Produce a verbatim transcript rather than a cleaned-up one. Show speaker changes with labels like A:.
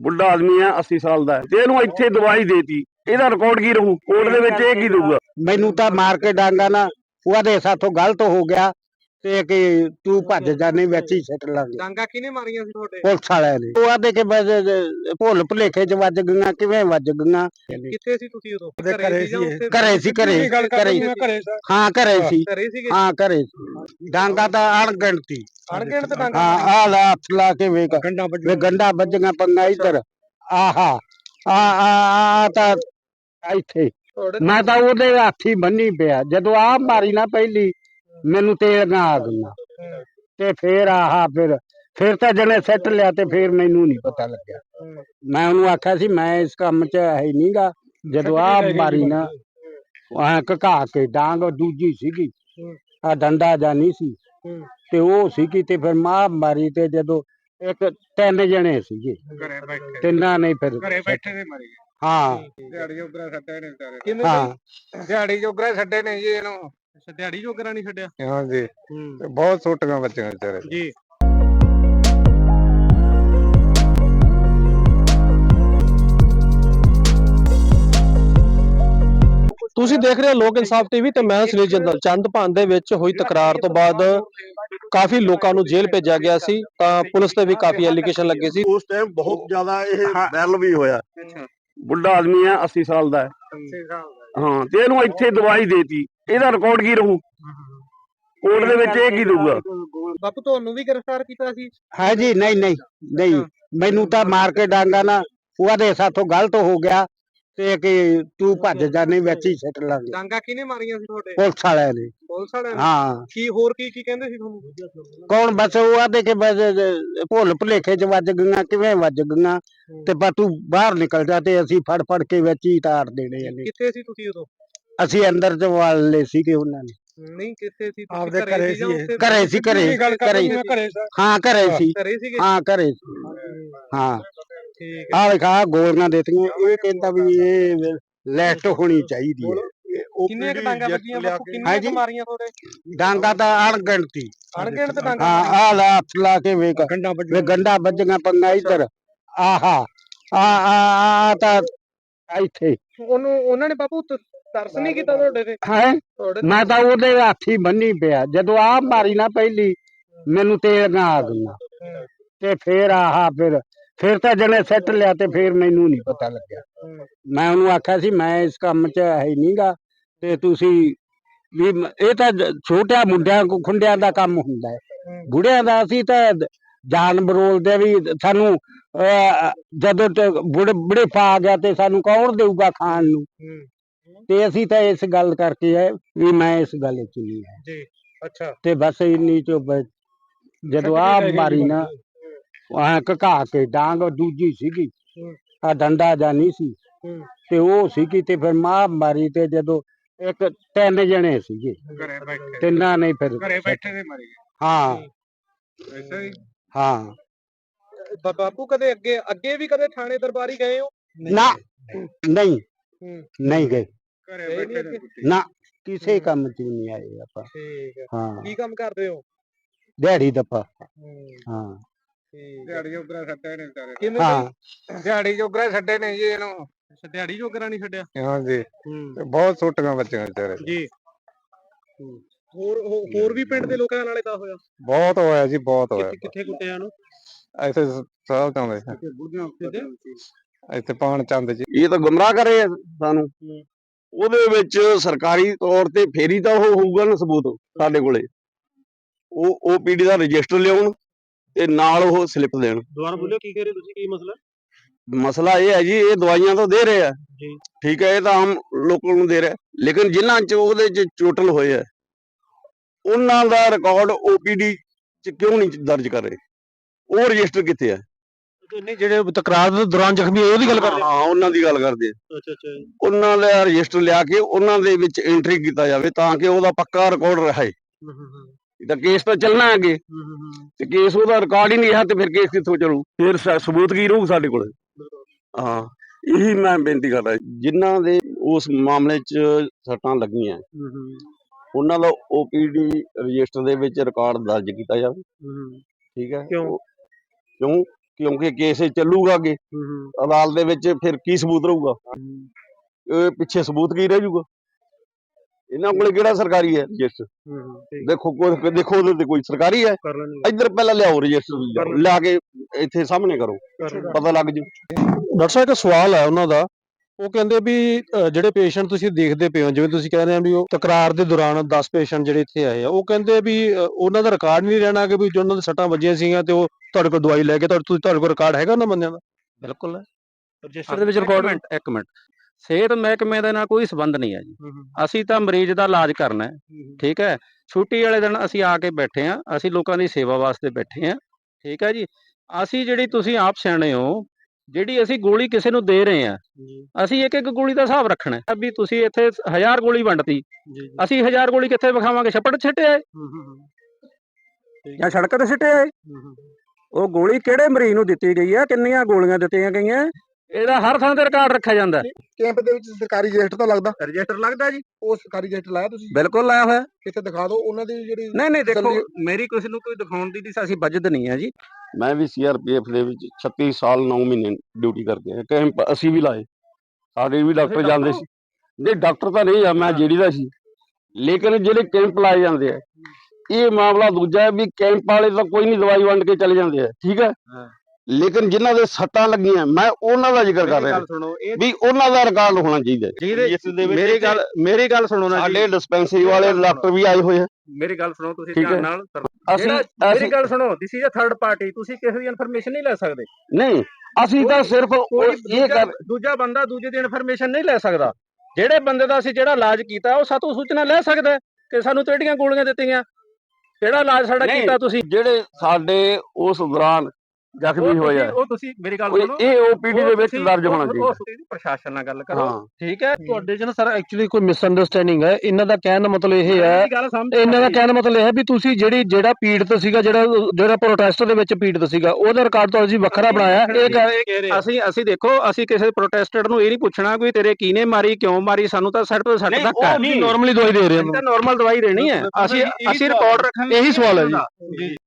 A: बुढ़ा आदमी है अस्सी साल का ते इहनूं इत्थे दवाई देती ਇਹਦਾ ਰਿਕਾਰਡ ਕੀ ਰਹੂ ਕੋਰਟ ਦੇ ਵਿੱਚ ਇਹ ਕੀ ਦਊਗਾ
B: ਮੈਨੂੰ ਤਾਂ ਮਾਰ ਕੇ ਡਾਂਗਾ ਨਾ ਉਹਦੇ ਸਾਥੋਂ ਗਲਤ ਹੋ ਗਿਆ ਤੇ ਕਿ ਤੂੰ ਭੱਜ ਜਾ ਨਹੀਂ ਵਿੱਚ ਹੀ ਸਿੱਟ ਲਾਂਗੇ।
C: ਡਾਂਗਾ ਕਿਹਨੇ ਮਾਰੀਆਂ ਸੀ ਤੁਹਾਡੇ?
B: ਪੁਲਿਸ ਵਾਲਿਆਂ ਨੇ। ਉਹ ਆਦੇ ਕਿ ਬਸ ਭੁੱਲ ਭੁਲੇਖੇ ਚ ਵੱਜ ਗਈਆਂ ਕਿਵੇਂ ਵੱਜ ਗਈਆਂ।
C: ਕਿੱਥੇ ਸੀ ਤੁਸੀਂ ਉਦੋਂ?
B: ਘਰੇ ਸੀ ਘਰੇ ਸੀ ਘਰੇ ਘਰੇ ਹਾਂ ਘਰੇ ਸੀ
C: ਘਰੇ ਸੀਗੇ?
B: ਹਾਂ ਘਰੇ ਸੀ। ਡਾਂਗਾ ਤਾਂ ਅਣਗਿਣਤੀ
C: ਅਣਗਿਣਤ ਡਾਂਗਾ?
B: ਹਾਂ ਆ ਲੈ ਹੱਥ ਲਾ ਕੇ ਵੇਖ ਵੇ ਗੰਡਾ ਵੱਜੀਆਂ ਪੰਗਾ ਇੱਧਰ ਆਹਾ ਆ ਆ ਤਾਂ ਇੱਥੇ ਮੈਂ ਤਾਂ ਉਹਦੇ ਹੱਥ ਹੀ ਬੰਨੀ ਪਿਆ ਜਦੋਂ ਆਹ ਮਾਰੀ ਨਾ ਪਹਿਲੀ ਮੈਨੂੰ ਤੇਲੀਆਂ ਆ ਗਈਆਂ ਤੇ ਫੇਰ ਆਹਾ ਫਿਰ ਫਿਰ ਤਾਂ ਜਣੇ ਸਿੱਟ ਲਿਆ ਤੇ ਫੇਰ ਮੈਨੂੰ ਨਹੀਂ ਪਤਾ ਲੱਗਿਆ। ਮੈਂ ਉਹਨੂੰ ਆਖਿਆ ਸੀ ਮੈਂ ਇਸ ਕੰਮ 'ਚ ਹੈ ਨਹੀਂਗਾ ਜਦੋਂ ਆਹ ਮਾਰੀ ਨਾ ਐ ਘਕਾ ਕੇ ਡਾਂਗ ਦੂਜੀ ਸੀਗੀ ਆ ਡੰਡਾ ਜਾਂ ਨਹੀਂ ਸੀ ਤੇ ਉਹ ਸੀਗੀ ਤੇ ਫਿਰ ਮਾਂ ਮਾਰੀ ਤੇ ਜਦੋਂ ਇੱਕ ਤਿੰਨ ਜਣੇ ਸੀਗੇ ਤਿੰਨਾਂ ਨੇ ਫਿਰ
C: ਘਰੇ ਬੈਠੇ ਦੇ ਮਾਰੀ
B: ਹਾਂ
C: ਦਿਹਾੜੀ ਜੋਗਰਾ ਛੱਡੇ ਨੇ ਵਿਚਾਰੇ।
B: ਹਾਂ
C: ਦਿਹਾੜੀ ਜੋਗਰਾ ਛੱਡੇ ਨੇ ਜੀ ਇਹਨੂੰ। ਅੱਛਾ ਦਿਹਾੜੀ ਜੋਗਰਾ ਨਹੀਂ ਛੱਡਿਆ?
D: ਹਾਂ ਜੀ ਬਹੁਤ ਛੋਟੀਆਂ ਬੱਚੀਆਂ ਵਿਚਾਰੇ
C: ਜੀ।
E: ਤੁਸੀਂ ਦੇਖ ਰਹੇ ਹੋ ਲੋਕ ਇਨਸਾਫ ਟੀਵੀ ਤੇ ਮੈਂ ਸੁਨੀਲ ਜਿੰਦਲ। ਚੰਦਪਾਨ ਦੇ ਵਿੱਚ ਹੋਈ ਤਕਰਾਰ ਤੋਂ ਬਾਅਦ ਕਾਫੀ ਲੋਕਾਂ ਨੂੰ ਜੇਲ੍ਹ ਭੇਜਿਆ ਗਿਆ ਸੀ ਤਾਂ ਪੁਲਿਸ ਤੇ ਵੀ ਕਾਫੀ ਐਲੀਗੇਸ਼ਨ ਲੱਗੇ ਸੀ।
A: ਉਸ ਟਾਈਮ ਬਹੁਤ ਜ਼ਿਆਦਾ ਇਹ ਵਾਇਰਲ ਵੀ ਹੋਇਆ। ਬੁੱਢਾ ਆਦਮੀ ਹੈ अस्सी ਸਾਲ ਦਾ ਹਾਂ ਤੇ ਇਹਨੂੰ ਇੱਥੇ ਦਵਾਈ ਦੇਤੀ ਇਹਦਾ ਰਿਕਾਰਡ ਕੀ ਰਹੂ ਕੋਰਟ ਦੇ ਵਿੱਚ ਇਹ ਕੀ ਦਊਗਾ।
C: ਬਾਪੂ ਤੁਹਾਨੂੰ ਵੀ ਗ੍ਰਿਫਤਾਰ ਕੀਤਾ ਸੀ?
B: ਹੈ ਜੀ ਨਹੀਂ ਨਹੀਂ ਨਹੀਂ ਮੈਨੂੰ ਤਾਂ ਮਾਰ ਕੇ ਡਾਂਗਾ ਨਾ ਉਹਦੇ ਸਾਥੋਂ ਗਲਤ ਹੋ ਗਿਆ ਤੇ ਕਿ ਤੂੰ ਭੱਜ ਜਾ ਨਹੀਂ ਵਿੱਚ ਹੀ ਸਿੱਟ ਲਾਂਗੇ।
C: ਡਾਂਗਾ ਕਿਹਨੇ ਮਾਰੀਆਂ ਸੀ ਤੁਹਾਡੇ?
B: ਪੁਲਿਸ ਵਾਲਿਆਂ ਨੇ।
C: ਪੁਲਿਸ ਵਾਲਿਆਂ ਨੇ?
B: ਹਾਂ
C: ਕੀ ਹੋਰ ਕੀ ਕੀ ਕਹਿੰਦੇ ਸੀ ਤੁਹਾਨੂੰ?
B: ਕੌਣ ਬਸ ਉਹ ਆਦੇ ਕਿ ਬਸ ਭੁੱਲ ਭੁਲੇਖੇ ਚ ਵੱਜ ਗਈਆਂ ਕਿਵੇਂ ਵੱਜ ਗਈਆਂ ਤੇ ਪਰ ਤੂੰ ਬਾਹਰ ਨਿਕਲ ਜਾ ਤੇ ਅਸੀਂ ਫੜ ਫੜ ਕੇ ਵਿੱਚ ਹੀ ਤਾਰ ਦੇਣੇ ਨੇ।
C: ਕਿੱਥੇ ਸੀ ਤੁਸੀਂ ਉਦੋਂ?
B: ਅਸੀਂ ਅੰਦਰ ਚ ਵਾਲ ਲਏ ਸੀਗੇ ਉਹਨਾਂ ਨੇ।
C: ਨਹੀਂ ਕਿੱਥੇ ਸੀ?
D: ਆਪਦੇ ਘਰੇ ਸੀ
B: ਘਰੇ ਸੀ ਘਰੇ ਘਰੇ ਹਾਂ ਘਰੇ ਸੀ
C: ਘਰੇ ਸੀਗੇ?
B: ਹਾਂ ਘਰੇ ਸੀ ਹਾਂ।
C: ਠੀਕ
B: ਆਹ ਵੇਖਾ ਗੋਲੀਆਂ ਦਿੱਤੀਆਂ ਇਹ ਕਹਿੰਦਾ ਵੀ ਇਹ ਲੈਸਟ ਹੋਣੀ ਚਾਹੀਦੀ ਹੈ।
C: ਕਿੰਨੀਆਂ ਡਾਂਗਾ ਵੱਜੀਆਂ ਬਾਪੂ? ਕਿੰਨੀਆਂ ਕੁ ਮਾਰੀਆਂ ਤੁਹਾਡੇ?
B: ਡਾਂਗਾ ਤਾਂ ਅਣਗਿਣਤੀ
C: ਅਣਗਿਣਤ ਡਾਂਗਾ?
B: ਹਾਂ ਆ ਲੈ ਹੱਥ ਲਾ ਕੇ ਵੇਖ ਵੇ ਗੰਡਾ ਵੱਜੀਆਂ ਪੰਗਾ ਇੱਧਰ ਆਹਾ ਆ ਆ ਤਾਂ ਇੱਥੇ
C: ਉਹਨੂੰ ਉਹਨਾਂ ਨੇ ਬਾਪੂ ਤਰਸ ਨਹੀਂ ਕੀਤਾ ਤੁਹਾਡੇ ਤੇ?
B: ਹੈ ਮੈਂ ਤਾਂ ਉਹਦੇ ਹੱਥ ਹੀ ਬੰਨੀ ਪਿਆ ਜਦੋਂ ਆਹ ਮਾਰੀ ਨਾ ਪਹਿਲੀ ਮੈਨੂੰ ਤੇਲੀਆਂ ਆ ਗਈਆਂ ਤੇ ਫੇਰ ਆਹਾ ਫਿਰ ਫਿਰ ਤਾਂ ਜਣੇ ਸਿੱਟ ਲਿਆ ਤੇ ਫੇਰ ਮੈਨੂੰ ਨਹੀਂ ਪਤਾ ਲੱਗਿਆ। ਮੈਂ ਉਹਨੂੰ ਆਖਿਆ ਸੀ ਮੈਂ ਇਸ ਕੰਮ 'ਚ ਹੈ ਨਹੀਂਗਾ ਤੇ ਤੁਸੀਂ ਵੀ ਇਹ ਤਾਂ ਛੋਟਿਆਂ ਮੁੰਡਿਆਂ ਖੁੰਡਿਆਂ ਦਾ ਕੰਮ ਹੁੰਦਾ ਹੈ ਬੁੜਿਆਂ ਦਾ ਅਸੀਂ ਤਾਂ ਜਾਨ ਬਰੋਲਦੇ ਵੀ ਸਾਨੂੰ ਜਦੋਂ ਬੁੜੇ ਬੁੜੇ ਪਾ ਗਿਆ ਤੇ ਸਾਨੂੰ ਕੌਣ ਦੇਊਗਾ ਖਾਣ ਨੂੰ ਤੇ ਅਸੀਂ ਤਾਂ ਇਸ ਗੱਲ ਕਰਕੇ ਹੈ ਵੀ ਮੈਂ ਇਸ ਗੱਲ 'ਚ ਨਹੀਂ ਹੈ
C: ਜੀ। ਅੱਛਾ
B: ਤੇ ਬਸ ਇੰਨੀ ਚੋ ਜਦੋਂ ਆਹ ਮਾਰੀ ਨਾ ਐ ਘਕਾ ਕੇ ਡਾਂਗ ਦੂਜੀ ਸੀਗੀ ਆ ਡੰਡਾ ਜਾਂ ਨਹੀਂ ਸੀ ਤੇ ਉਹ ਸੀਗੀ ਤੇ ਫਿਰ ਮਾਂ ਮਾਰੀ ਤੇ ਜਦੋਂ ਇੱਕ ਤਿੰਨ ਜਣੇ ਸੀਗੇ
C: ਘਰੇ ਬੈਠੇ
B: ਤਿੰਨਾਂ ਨੇ ਫਿਰ
C: ਘਰੇ ਬੈਠੇ ਦੇ ਮਾਰੀ?
B: ਹਾਂ
C: ਐਸਾ ਹੀ?
B: ਹਾਂ
C: ਬਾਪੂ ਕਦੇ ਅੱਗੇ ਅੱਗੇ ਵੀ ਕਦੇ ਥਾਣੇ ਦਰਬਾਰੀ ਗਏ ਹੋ?
B: ਨਾ ਨਹੀਂ ਨਹੀਂ ਗਏ
C: ਘਰੇ ਬੈਠੇ
B: ਨਾ ਕਿਸੇ ਕੰਮ 'ਚ ਨਹੀਂ ਆਏ ਆਪਾਂ।
C: ਠੀਕ ਹੈ।
B: ਹਾਂ
C: ਕੀ ਕੰਮ ਕਰਦੇ ਹੋ?
B: ਦਿਹਾੜੀ ਦੱਪਾ ਹਾਂ
C: ਦਿਹਾੜੀ ਜੋਗਰਾ ਛੱਡੇ ਨੇ ਵਿਚਾਰੇ। ਕਿਵੇਂ?
B: ਹਾਂ
C: ਦਿਹਾੜੀ ਜੋਗਰਾ ਛੱਡੇ ਨੇ ਜੀ ਇਹਨੂੰ। ਅੱਛਾ ਦਿਹਾੜੀ ਜੋਗਰਾ ਨਹੀਂ ਛੱਡਿਆ?
D: ਹਾਂ ਜੀ ਬਹੁਤ ਛੋਟੀਆਂ ਬੱਚੀਆਂ ਵਿਚਾਰੇ
C: ਜੀ। ਹੋਰ ਹੋਰ ਵੀ ਪਿੰਡ ਦੇ ਲੋਕਾਂ ਨਾਲ ਇਦਾਂ ਹੋਇਆ?
D: ਬਹੁਤ ਹੋਇਆ ਜੀ ਬਹੁਤ ਹੋਇਆ।
C: ਕਿੱਥੇ ਕੁੱਟਿਆ ਨੂੰ?
D: ਇੱਥੇ ਸਾਹ ਚਾਉਂਦੇ ਇੱਥੇ ਪਾਣ ਚੰਦ ਜੀ।
A: ਇਹ ਤਾਂ ਗੁੰਮਰਾਹ ਕਰੇ ਸਾਨੂੰ ਉਹਦੇ ਵਿੱਚ ਸਰਕਾਰੀ ਤੌਰ ਤੇ ਫੇਰੀ ਤਾਂ ਉਹ ਹੋਊਗਾ ਨਾ ਸਬੂਤ ਸਾਡੇ ਕੋਲੇ ਉਹ ਓਪੀਡੀ ਦਾ ਰਜਿਸਟਰ ਲਿਆਉਣ ਤੇ ਨਾਲ ਉਹ ਸਲਿੱਪ ਦੇਣ।
E: ਦੁਬਾਰਾ ਬੋਲਿਓ ਕੀ ਕਹਿ ਰਹੇ ਤੁਸੀਂ ਕੀ ਮਸਲਾ?
A: ਮਸਲਾ ਇਹ ਹੈ ਜੀ ਇਹ ਦਵਾਈਆਂ ਤਾਂ ਦੇ ਰਹੇ ਆ ਠੀਕ ਹੈ ਇਹ ਤਾਂ ਆਮ ਲੋਕਾਂ ਨੂੰ ਦੇ ਰਿਹਾ ਲੇਕਿਨ ਜਿਨ੍ਹਾਂ ਚ ਉਹਦੇ ਚ ਚੋਟਲ ਹੋਏ ਆ ਉਹਨਾਂ ਦਾ ਰਿਕਾਰਡ ਓਪੀਡੀ ਚ ਕਿਉਂ ਨਹੀਂ ਦਰਜ ਕਰ ਰਹੇ ਉਹ ਰਜਿਸਟਰ ਕਿੱਥੇ ਆ?
E: ਨਹੀਂ ਜਿਹੜੇ ਤਕਰਾਰ ਦੇ ਦੌਰਾਨ ਜ਼ਖਮੀ ਹੋਏ ਉਹਦੀ ਗੱਲ ਕਰਦੇ?
A: ਹਾਂ ਉਹਨਾਂ ਦੀ ਗੱਲ ਕਰਦੇ ਆ।
E: ਅੱਛਾ ਅੱਛਾ
A: ਉਹਨਾਂ ਦਾ ਰਜਿਸਟਰ ਲਿਆ ਕੇ ਉਹਨਾਂ ਦੇ ਵਿੱਚ ਐਂਟਰੀ ਕੀਤਾ ਜਾਵੇ ਤਾਂ ਕਿ ਉਹਦਾ ਪੱਕਾ ਰਿਕਾਰਡ ਰਹੇ। ਤਾਂ ਕੇਸ ਤਾਂ ਚੱਲਣਾ ਅੱਗੇ ਤੇ ਕੇਸ ਉਹਦਾ ਰਿਕਾਰਡ ਹੀ ਨਹੀਂ ਰਿਹਾ ਤੇ ਫਿਰ ਕੇਸ ਕਿੱਥੋਂ ਚੱਲੂ ਫਿਰ ਸਬੂਤ ਕੀ ਰਹੂ ਸਾਡੇ ਕੋਲ। ਹਾਂ ਇਹੀ ਮੈਂ ਬੇਨਤੀ ਕਰਦਾ ਜਿਨ੍ਹਾਂ ਦੇ ਉਸ ਮਾਮਲੇ 'ਚ ਸੱਟਾਂ ਲੱਗੀਆਂ ਉਹਨਾਂ ਦਾ ਓਪੀਡੀ ਰਜਿਸਟਰ ਦੇ ਵਿੱਚ ਰਿਕਾਰਡ ਦਰਜ ਕੀਤਾ ਜਾਵੇ ਠੀਕ ਹੈ।
E: ਕਿਉਂ?
A: ਕਿਉਂ ਕਿਉਂਕਿ ਕੇਸ ਇਹ ਚੱਲੂਗਾ ਅੱਗੇ ਅਦਾਲਤ ਦੇ ਵਿੱਚ, ਫਿਰ ਕੀ ਸਬੂਤ ਰਹੂਗਾ? ਇਹ ਪਿੱਛੇ ਸਬੂਤ ਕੀ ਰਹਿ ਜਾਊਗਾ? ਇਹਨਾਂ ਕੋਲੇ ਕਿਹੜਾ ਸਰਕਾਰੀ ਹੈ ਰਜਿਸਟਰ? ਦੇਖੋ ਕੋਈ ਦੇਖੋ ਉਹਦੇ ਤੇ ਕੋਈ ਸਰਕਾਰੀ ਹੈ? ਇੱਧਰ ਪਹਿਲਾਂ ਲਿਆਓ ਰਜਿਸਟਰ, ਲਿਆ ਕੇ ਇੱਥੇ ਸਾਹਮਣੇ ਕਰੋ, ਪਤਾ ਲੱਗ ਜੂ।
E: ਡਾਕਟਰ ਸਾਹਿਬ ਇੱਕ ਸਵਾਲ ਹੈ ਉਹਨਾਂ ਦਾ, ਉਹ ਕਹਿੰਦੇ ਵੀ ਅ, ਜਿਹੜੇ ਪੇਸ਼ੈਂਟ ਤੁਸੀਂ ਦੇਖਦੇ ਪਏ ਹੋ, ਜਿਵੇਂ ਤੁਸੀਂ ਕਹਿ ਰਹੇ ਹੋ ਵੀ ਉਹ ਤਕਰਾਰ ਦੇ ਦੌਰਾਨ ਦਸ ਪੇਸ਼ੈਂਟ ਜਿਹੜੇ ਇੱਥੇ ਆਏ ਆ, ਉਹ ਕਹਿੰਦੇ ਵੀ ਅ, ਉਹਨਾਂ ਦਾ ਰਿਕਾਰਡ ਨਹੀਂ ਰਹਿਣਾ ਕਿ ਵੀ ਜੋ ਉਹਨਾਂ ਦੇ ਸੱਟਾਂ ਵੱਜੀਆਂ ਸੀਗੀਆਂ ਤੇ ਉਹ ਤੁਹਾਡੇ ਕੋਲ ਦਵਾਈ ਲੈ ਕੇ ਤੁਹਾਡੇ ਤੁਸੀਂ ਤੁਹਾਡੇ ਕੋਲ ਰਿਕਾਰਡ ਹੈਗਾ ਉਹਨਾਂ ਬੰਦਿਆਂ ਦਾ?
F: ਬਿਲਕੁਲ ਰਜਿਸਟਰ ਦੇ ਵਿੱਚ ਰਿਕਾਰਡ। ਮਿੰਟ ਇੱਕ ਮਿੰਟ, ਸਿਹਤ ਮਹਿਕਮੇ ਦੇ ਨਾਲ ਕੋਈ ਸੰਬੰਧ ਨਹੀਂ ਹੈ ਜੀ। ਅਸੀਂ ਤਾਂ ਮਰੀਜ਼ ਦਾ ਇਲਾਜ ਕਰਨਾ ਹੈ, ਠੀਕ ਹੈ। ਛੁੱਟੀ ਵਾਲੇ ਦਿਨ ਅਸੀਂ ਆ ਕੇ ਬੈਠੇ ਆ, ਅਸੀਂ ਲੋਕਾਂ ਦੀ ਸੇਵਾ ਵਾਸਤੇ ਬੈਠੇ ਆ, ਠੀਕ ਹੈ ਜੀ। ਅਸੀਂ ਜਿਹੜੀ ਤੁਸੀਂ ਆਪ ਸਿਆਣੇ ਹੋ, ਜਿਹੜੀ ਅਸੀਂ ਗੋਲੀ ਕਿਸੇ ਨੂੰ ਦੇ ਰਹੇ ਆ, ਅਸੀਂ ਇੱਕ ਇੱਕ ਗੋਲੀ ਦਾ ਹਿਸਾਬ ਰੱਖਣਾ ਹੈ ਵੀ ਤੁਸੀਂ ਇੱਥੇ ਹਜ਼ਾਰ ਗੋਲੀ ਵੰਡਤੀ, ਅਸੀਂ ਹਜ਼ਾਰ ਗੋਲੀ ਕਿੱਥੇ ਵਿਖਾਵਾਂਗੇ? ਛੱਪੜ ਛਿੱਟੇ ਆਏ ਜਾਂ ਸੜਕ ਤੇ ਸਿੱਟੇ ਆਏ? ਉਹ ਗੋਲੀ ਕਿਹੜੇ ਮਰੀਜ਼ ਨੂੰ ਦਿੱਤੀ ਗਈ ਹੈ, ਕਿੰਨੀਆਂ ਗੋਲੀਆਂ ਦਿੱਤੀਆਂ ਗਈਆਂ, ਇਹਦਾ ਹਰ ਥਾਂ ਤੇ ਰਿਕਾਰਡ ਰੱਖਿਆ ਜਾਂਦਾ।
C: ਕੈਂਪ ਦੇ ਵਿੱਚ ਸਰਕਾਰੀ ਰਜਿਸਟਰ ਤਾਂ ਲੱਗਦਾ?
F: ਰਜਿਸਟਰ ਲੱਗਦਾ ਜੀ,
C: ਉਹ ਸਰਕਾਰੀ ਰਜਿਸਟਰ ਲਾਇਆ ਤੁਸੀਂ?
F: ਬਿਲਕੁਲ ਲਾਇਆ ਹੋਇਆ।
C: ਕਿਤੇ ਦਿਖਾ ਦਿਓ ਉਹਨਾਂ ਦੀ ਜਿਹੜੀ।
F: ਨਹੀਂ ਨਹੀਂ, ਦੇਖੋ ਮੇਰੀ ਕਿਸੇ ਨੂੰ ਕੋਈ ਦਿਖਾਉਣ ਦੀ ਅਸੀਂ ਬਜਟ ਨਹੀਂ ਹੈ ਜੀ।
A: ਮੈਂ ਵੀ ਸੀ ਆਰ ਪੀ ਐਫ ਦੇ ਵਿੱਚ ਛੱਤੀ ਸਾਲ ਨੌ ਮਹੀਨੇ ਡਿਊਟੀ ਕਰਕੇ ਆਇਆ। ਕੈਂਪ ਅਸੀਂ ਵੀ ਲਾਏ, ਸਾਡੇ ਵੀ ਡਾਕਟਰ ਜਾਂਦੇ ਸੀ। ਨਹੀਂ ਡਾਕਟਰ ਤਾਂ ਨਹੀਂ ਆ, ਮੈਂ ਜਿਹੜੀ ਦਾ ਸੀ, ਲੇਕਿਨ ਜਿਹੜੇ ਕੈਂਪ ਲਾਏ ਜਾਂਦੇ ਆ, ਇਹ ਮਾਮਲਾ ਦੂਜਾ ਹੈ ਵੀ ਕੈਂਪ ਵਾਲੇ ਤਾਂ ਕੋਈ ਨਹੀਂ, ਦਵਾਈ ਵੰਡ ਕੇ ਚਲੇ ਜਾਂਦੇ ਆ, ਠੀਕ ਹੈ। ਲੇਕਿਨ ਜਿਨ੍ਹਾਂ ਦੇ ਸੱਟਾਂ ਲੱਗੀਆਂ, ਮੈਂ ਉਹਨਾਂ ਦਾ ਜ਼ਿਕਰ ਕਰ ਰਿਹਾ ਵੀ ਉਹਨਾਂ ਦਾ ਰਿਕਾਰਡ ਹੋਣਾ ਚਾਹੀਦਾ।
F: ਮੇਰੀ ਗੱਲ ਮੇਰੀ ਗੱਲ ਸੁਣੋ ਨਾ ਜੀ,
A: ਸਾਡੇ ਡਿਸਪੈਂਸਰੀ ਵਾਲੇ ਡਾਕਟਰ ਵੀ ਆਏ ਹੋਏ ਆ।
F: ਮੇਰੀ ਗੱਲ ਸੁਣੋ ਤੁਸੀਂ
A: ਠੀਕ ਹੈ।
F: ਧਿਆਨ ਨਾਲ।
A: ਅਸੀਂ
F: ਮੇਰੀ ਗੱਲ ਸੁਣੋ, this is a third party, ਤੁਸੀਂ ਕਿਸੇ ਦੀ ਇਨਫੋਰਮੇਸ਼ਨ ਨਹੀਂ ਲੈ ਸਕਦੇ।
A: ਨਹੀਂ, ਅਸੀਂ ਤਾਂ ਸਿਰਫ ਉਹ ਇਹ ਕਰ
F: ਦੂਜਾ ਬੰਦਾ ਦੂਜੇ ਦੀ ਇਨਫੋਰਮੇਸ਼ਨ ਨਹੀਂ ਲੈ ਸਕਦਾ। ਜਿਹੜੇ ਬੰਦੇ ਦਾ ਅਸੀਂ ਜਿਹੜਾ ਇਲਾਜ ਕੀਤਾ, ਉਹ ਸਾਤੋਂ ਸੂਚਨਾ ਲੈ ਸਕਦਾ ਕਿ ਸਾਨੂੰ ਕਿਹੜੀਆਂ ਗੋਲੀਆਂ ਦਿੱਤੀਆਂ, ਕਿਹੜਾ ਇਲਾਜ ਸਾਡਾ ਕੀਤਾ ਤੁਸੀਂ।
A: ਜਿਹੜੇ ਸਾਡੇ ਉਸ ਦੌਰਾਨ ਜ਼ਖਮੀ ਹੋਏ ਆ,
F: ਉਹ ਤੁਸੀਂ ਮੇਰੀ ਗੱਲ
A: ਉਹ
F: ਸੁਣੋ,
A: ਇਹ ਓ ਪੀ ਡੀ ਦੇ ਵਿੱਚ ਦਰਜ ਹੋਣਾ
F: ਉਹ
A: ਚਾਹੀਦਾ।
F: ਤੁਸੀਂ ਪ੍ਰਸ਼ਾਸਨ ਨਾਲ ਗੱਲ ਕਰੋ,
A: ਹਾਂ
F: ਠੀਕ ਹੈ।
E: ਤੁਹਾਡੇ ਚ ਨਾ ਸਰ ਐਕਚੁਅਲੀ ਕੋਈ ਮਿਸਅੰਡਰਸਟੈਂਡਿੰਗ ਹੈ। ਇਹਨਾਂ ਦਾ ਕਹਿਣ ਦਾ ਮਤਲਬ ਇਹ ਹੈ,
F: ਮੇਰੀ ਗੱਲ ਸਮਝ
E: ਇਹਨਾਂ ਦਾ ਕਹਿਣ ਦਾ ਮਤਲਬ ਇਹ ਹੈ ਵੀ ਤੁਸੀਂ ਜਿਹੜੀ ਜਿਹੜਾ ਪੀੜਤ ਸੀਗਾ, ਜਿਹੜਾ ਜਿਹੜਾ ਪ੍ਰੋਟੈਸਟ ਦੇ ਵਿੱਚ ਪੀੜਤ ਸੀਗਾ, ਉਹਦਾ ਰਿਕਾਰਡ ਤਾਂ ਅਸੀਂ ਵੱਖਰਾ ਬਣਾਇਆ। ਇਹ ਕਹਿ ਰਹੇ
F: ਅਸੀਂ ਅਸੀਂ ਦੇਖੋ, ਅਸੀਂ ਕਿਸੇ ਪ੍ਰੋਟੈਸਟਰ ਨੂੰ ਇਹ ਨਹੀਂ ਪੁੱਛਣਾ ਕੋਈ ਤੇਰੇ ਕੀਨੇ ਮਾਰੀ, ਕਿਉਂ ਮਾਰੀ, ਸਾਨੂੰ ਤਾਂ ਸੱਟ ਤੋਂ ਸੱਟ ਤੱਕ ਹੈ।
E: ਨਾਰਮਲੀ ਦਵਾਈ ਦੇ ਰਹੇ
F: ਤਾਂ ਨਾਰਮਲ ਦਵਾਈ ਦੇਣੀ ਹੈ। ਅਸੀਂ ਅਸੀਂ ਰਿਕਾਰਡ ਰੱਖਾਂਗੇ,
E: ਇਹੀ ਸਵਾਲ ਹੈ ਜੀ।